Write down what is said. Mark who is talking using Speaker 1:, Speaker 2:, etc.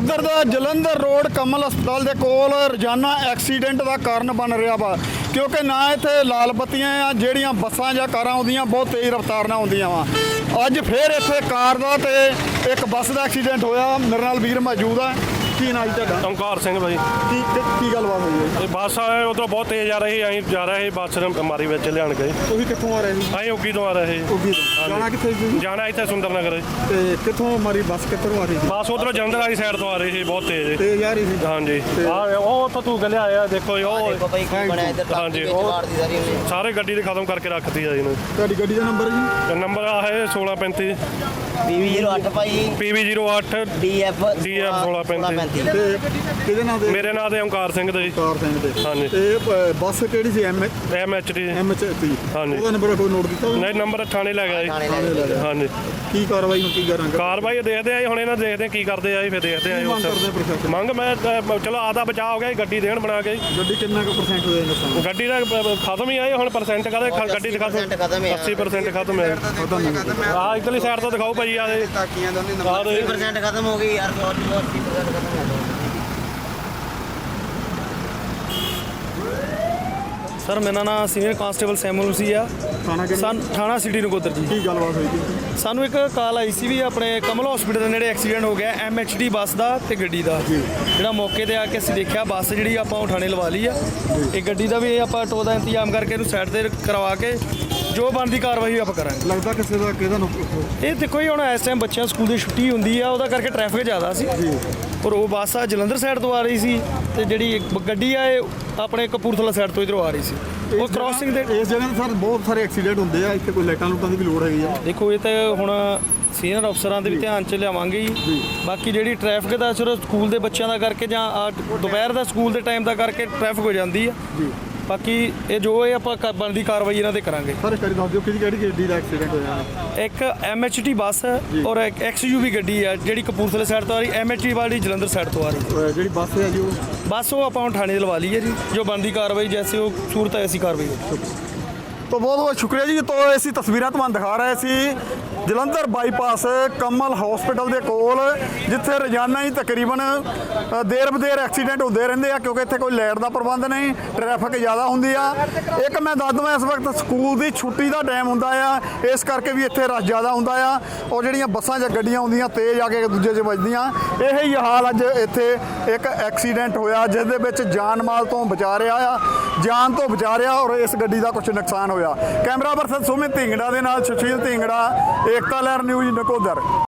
Speaker 1: ਇੱਧਰ ਦਾ ਜਲੰਧਰ ਰੋਡ ਕਮਲ ਹਸਪਤਾਲ ਦੇ ਕੋਲ ਰੋਜ਼ਾਨਾ ਐਕਸੀਡੈਂਟ ਦਾ ਕਾਰਨ ਬਣ ਰਿਹਾ ਵਾ, ਕਿਉਂਕਿ ਨਾ ਇੱਥੇ ਲਾਲ ਬੱਤੀਆਂ ਆ, ਜਿਹੜੀਆਂ ਬੱਸਾਂ ਜਾਂ ਕਾਰਾਂ ਆਉਂਦੀਆਂ ਬਹੁਤ ਤੇਜ਼ ਰਫ਼ਤਾਰ ਨਾਲ ਆਉਂਦੀਆਂ ਵਾ। ਅੱਜ ਫੇਰ ਇੱਥੇ ਕਾਰ ਦਾ ਤੇ ਇੱਕ ਬੱਸ ਦਾ ਐਕਸੀਡੈਂਟ ਹੋਇਆ। ਮੇਰੇ ਨਾਲ ਵੀਰ ਮੌਜੂਦ ਆ। ਕੀ ਨਾਂ ਜੀ ਤੁਹਾਡਾ?
Speaker 2: ਓਮਕਾਰ ਸਿੰਘ ਭਾਈ।
Speaker 1: ਕੀ ਗੱਲਬਾਤ ਹੋਈ ਹੈ?
Speaker 2: ਇਹ ਬੱਸ ਆਏ ਉਧਰੋਂ ਬਹੁਤ ਤੇਜ਼ ਆ ਰਹੀ, ਅਸੀਂ ਜਾ ਰਹੇ ਸੀ ਬੱਸ ਨੇ ਮਾਰੀ ਵਿੱਚ ਲਿਆਣ ਕੇ।
Speaker 1: ਤੁਸੀਂ ਕਿੱਥੋਂ ਆ ਰਹੇ ਸੀ?
Speaker 2: ਅਸੀਂ ਉੱਗੀ ਤੋਂ ਆ ਰਹੇ ਸੀ।
Speaker 1: ਉੱਗੀ ਤੋਂ ਜਾਣਾ ਕਿੱਥੇ ਸੀ?
Speaker 2: ਜਾਣਾ ਇੱਥੇ ਸੁੰਦਰ ਨਗਰ।
Speaker 1: ਤੇ ਕਿੱਥੋਂ ਮਾਰੀ ਬੱਸ, ਕਿੱਧਰੋਂ ਆ ਰਹੀ ਸੀ?
Speaker 2: ਬੱਸ ਉਧਰੋਂ ਜਲੰਧਰ ਵਾਲੀ ਸਾਈਡ ਤੋਂ ਆ ਰਹੀ ਸੀ, ਬਹੁਤ ਤੇਜ਼।
Speaker 1: ਤੇਜ਼ ਆ ਰਹੀ ਸੀ?
Speaker 2: ਹਾਂਜੀ। ਉਹ ਉੱਥੋਂ ਤੂੰ ਗੱਲਿਆ ਆਇਆ, ਦੇਖੋ ਹਾਂਜੀ, ਉਹ ਸਾਰੇ ਗੱਡੀ ਦੇ ਖਤਮ ਕਰਕੇ ਰੱਖਤੀ ਆ ਜੀ ਨੇ।
Speaker 1: ਤੁਹਾਡੀ ਗੱਡੀ ਦਾ ਨੰਬਰ ਜੀ?
Speaker 2: ਨੰਬਰ ਆ ਹੈ 1635
Speaker 3: PV08 ਭਾਈ,
Speaker 2: PV08
Speaker 3: DF
Speaker 2: 1635।
Speaker 1: ਤੇ ਕਿਹਦੇ ਨਾਂ ਦੇ?
Speaker 2: ਮੇਰੇ ਨਾਂ ਤੇ ਓਮਕਾਰ ਸਿੰਘ ਦੇ ਜੀ।
Speaker 1: ਕਾਰ ਸਿੰਘ ਦੇ।
Speaker 2: ਹਾਂਜੀ।
Speaker 1: ਤੇ ਬੱਸ ਕਿਹੜੀ ਸੀ?
Speaker 2: MHD।
Speaker 1: MHD।
Speaker 2: ਹਾਂਜੀ।
Speaker 1: ਉਹਦਾ ਨੰਬਰ ਕੋਈ ਨੋਟ ਕੀਤਾ?
Speaker 2: ਨਹੀਂ, ਨੰਬਰ ਥਾਣੇ ਲੈ ਗਿਆ ਜੀ। ਹਾਂਜੀ।
Speaker 1: ਕੀ ਕਾਰਵਾਈ ਹੁਣ ਕੀ ਕਰਾਂਗੇ?
Speaker 2: ਕਾਰਵਾਈ ਦੇਖਦੇ ਆ ਜੀ, ਹੁਣ ਇਹਨਾਂ ਦੇਖਦੇ ਆ ਕੀ ਕਰਦੇ ਆ ਜੀ, ਫਿਰ ਦੇਖਦੇ ਆ ਜੀ।
Speaker 1: ਮੰਗ ਕਰਦੇ ਪ੍ਰਸ਼ਾਸਨ?
Speaker 2: ਮੰਗ ਮੈਂ ਚਲੋ ਆਦਾ ਬਚਾਅ ਹੋ ਗਿਆ ਜੀ, ਗੱਡੀ ਦੇਣ ਬਣਾ ਕੇ।
Speaker 1: ਗੱਡੀ ਕਿੰਨਾ ਕੁ % ਹੋਇਆ ਨੁਕਸਾਨ?
Speaker 2: ਗੱਡੀ ਦਾ ਖਤਮ ਹੀ ਆ ਜੀ, ਹੁਣ ਪਰਸੈਂਟ ਕਾਹਦੇ ਗੱਡੀ ਦੇ ਖਤਮ 80% ਖਤਮ ਹੈ। ਆਹ ਇਧਰਲੀ ਸਾਈਡ ਤੋਂ ਦਿਖਾਓ ਭਾਈ। ਆਹ
Speaker 3: 80% ਖਤਮ ਹੋ ਗਈ ਯਾਰ, 80% ਖਤਮ ਹੋ ਗਈ।
Speaker 4: ਸਰ ਮੇਰਾ ਨਾਮ ਸੀਨੀਅਰ ਕਾਂਸਟੇਬਲ ਸੈਮੂਅਲ ਸੀ ਆ। ਥਾਣਾ ਸਿਟੀ ਨਕੋਦਰ ਜੀ।
Speaker 1: ਕੀ ਗੱਲਬਾਤ ਹੋਈ ਜੀ?
Speaker 4: ਸਾਨੂੰ ਇੱਕ ਕਾਲ ਆਈ ਸੀ ਵੀ ਆਪਣੇ ਕਮਲ ਹਸਪੀਟਲ ਦੇ ਨੇੜੇ ਐਕਸੀਡੈਂਟ ਹੋ ਗਿਆ MHD ਬੱਸ ਦਾ ਤੇ ਗੱਡੀ ਦਾ। ਜਿਹੜਾ ਮੌਕੇ ਤੇ ਆ ਕੇ ਅਸੀਂ ਦੇਖਿਆ, ਬੱਸ ਜਿਹੜੀ ਆਪਾਂ ਉਹ ਥਾਣੇ ਲਵਾ ਲਈ ਆ। ਇਹ ਗੱਡੀ ਦਾ ਵੀ ਆਪਾਂ ਟੋ ਦਾ ਇੰਤਜ਼ਾਮ ਕਰਕੇ ਇਹਨੂੰ ਸਾਈਡ ਤੇ ਕਰਵਾ ਕੇ ਜੋ ਬਣਦੀ ਕਾਰਵਾਈ ਆਪਾਂ ਕਰਾਂਗੇ।
Speaker 1: ਲੱਗਦਾ ਕਿਸੇ ਦਾ ਕਿਹਦਾ
Speaker 4: ਇਹ ਦੇਖੋ ਜੀ, ਹੁਣ ਇਸ ਟਾਈਮ ਬੱਚਿਆਂ ਸਕੂਲ ਦੀ ਛੁੱਟੀ ਹੁੰਦੀ ਆ, ਉਹਦਾ ਕਰਕੇ ਟ੍ਰੈਫਿਕ ਜ਼ਿਆਦਾ ਸੀ। ਔਰ ਉਹ ਬੱਸ ਆ ਜਲੰਧਰ ਸਾਈਡ ਤੋਂ ਆ ਰਹੀ ਸੀ, ਤੇ ਜਿਹੜੀ ਗੱਡੀ ਆ ਇਹ ਆਪਣੇ ਕਪੂਰਥਲਾ ਸਾਈਡ ਤੋਂ ਇਧਰੋਂ ਆ ਰਹੀ ਸੀ। ਉਹ ਕ੍ਰਾਸਿੰਗ ਦੇ
Speaker 1: ਇਸ ਜਗ੍ਹਾ 'ਤੇ ਸਰ ਬਹੁਤ ਸਾਰੇ ਐਕਸੀਡੈਂਟ ਹੁੰਦੇ ਆ। ਇੱਥੇ ਕੋਈ ਲਾਈਟਾਂ ਲੂਟਾਂ ਦੀ ਵੀ ਲੋੜ ਹੈਗੀ ਆ?
Speaker 4: ਦੇਖੋ ਇਹ ਤਾਂ ਹੁਣ ਸੀਨੀਅਰ ਅਫਸਰਾਂ ਦੇ ਵੀ ਧਿਆਨ 'ਚ ਲਿਆਵਾਂਗੇ ਜੀ। ਬਾਕੀ ਜਿਹੜੀ ਟ੍ਰੈਫਿਕ ਦਾ ਸਿਰਫ ਸਕੂਲ ਦੇ ਬੱਚਿਆਂ ਦਾ ਕਰਕੇ ਜਾਂ ਦੁਪਹਿਰ ਦਾ ਸਕੂਲ ਦੇ ਟਾਈਮ ਦਾ ਕਰਕੇ ਟ੍ਰੈਫਿਕ ਹੋ ਜਾਂਦੀ ਆ। ਬਾਕੀ ਇਹ ਜੋ ਇਹ ਆਪਾਂ ਬਣਦੀ ਕਾਰਵਾਈ ਇਹਨਾਂ ਤੇ ਕਰਾਂਗੇ।
Speaker 1: ਸਰ ਕਰੀ ਦੱਸ ਦਿਓ ਕਿਹੜੀ ਗੱਡੀ ਦਾ ਐਕਸੀਡੈਂਟ ਹੋਇਆ?
Speaker 4: ਇੱਕ MHD ਬੱਸ ਔਰ ਇੱਕ XUV ਗੱਡੀ ਆ, ਜਿਹੜੀ ਕਪੂਰਥਲੇ ਸਾਈਡ ਤੋਂ ਆ ਰਹੀ। MHD ਵਾਲੀ ਜਲੰਧਰ ਸਾਈਡ ਤੋਂ ਆ ਰਹੀ।
Speaker 1: ਜਿਹੜੀ ਬੱਸ ਹੈ ਜੀ, ਉਹ
Speaker 4: ਬੱਸ ਉਹ ਆਪਾਂ ਹੁਣ ਥਾਣੇ ਲਵਾ ਲਈ ਹੈ ਜੀ। ਜੋ ਬਣਦੀ ਕਾਰਵਾਈ ਜੈਸੇ ਉਹ ਸੂਰਤ ਹੈ ਐਸੀ ਕਾਰਵਾਈ ਹੋਵੇ।
Speaker 1: तो बहुत बहुत शुक्रिया जी। तो ऐसी तस्वीरें तुहानू दिखा रहे सी जलंधर बाईपास कमल हॉस्पिटल के कोल, जिथे रोजाना ही तकरीबन देर बदेर एक्सीडेंट होते रहते हैं, क्योंकि इतने कोई लाइट का प्रबंध नहीं, ट्रैफिक ज़्यादा होंगी आ। एक मैं दस दूँ, इस वक्त स्कूल की छुट्टी का टाइम होंदा आ, इस करके भी इतने रश ज़्यादा होंदा आ। और जिहड़ियां बसां जां गड्डियां आउंदियां तेज आके एक दूजे 'च वजदियां। यही हाल अज इत्थे एक एक्सीडेंट होया, जिस दे विच जान माल तो बचा रहा आ, जान तो बचा रहा, और इस गड्डी का कुछ नुकसान होया। कैमरा पर्सन सुमित धिंगड़ा दे नाल सुशील धिंगड़ा, एकता लहर न्यूज़ नकोदर।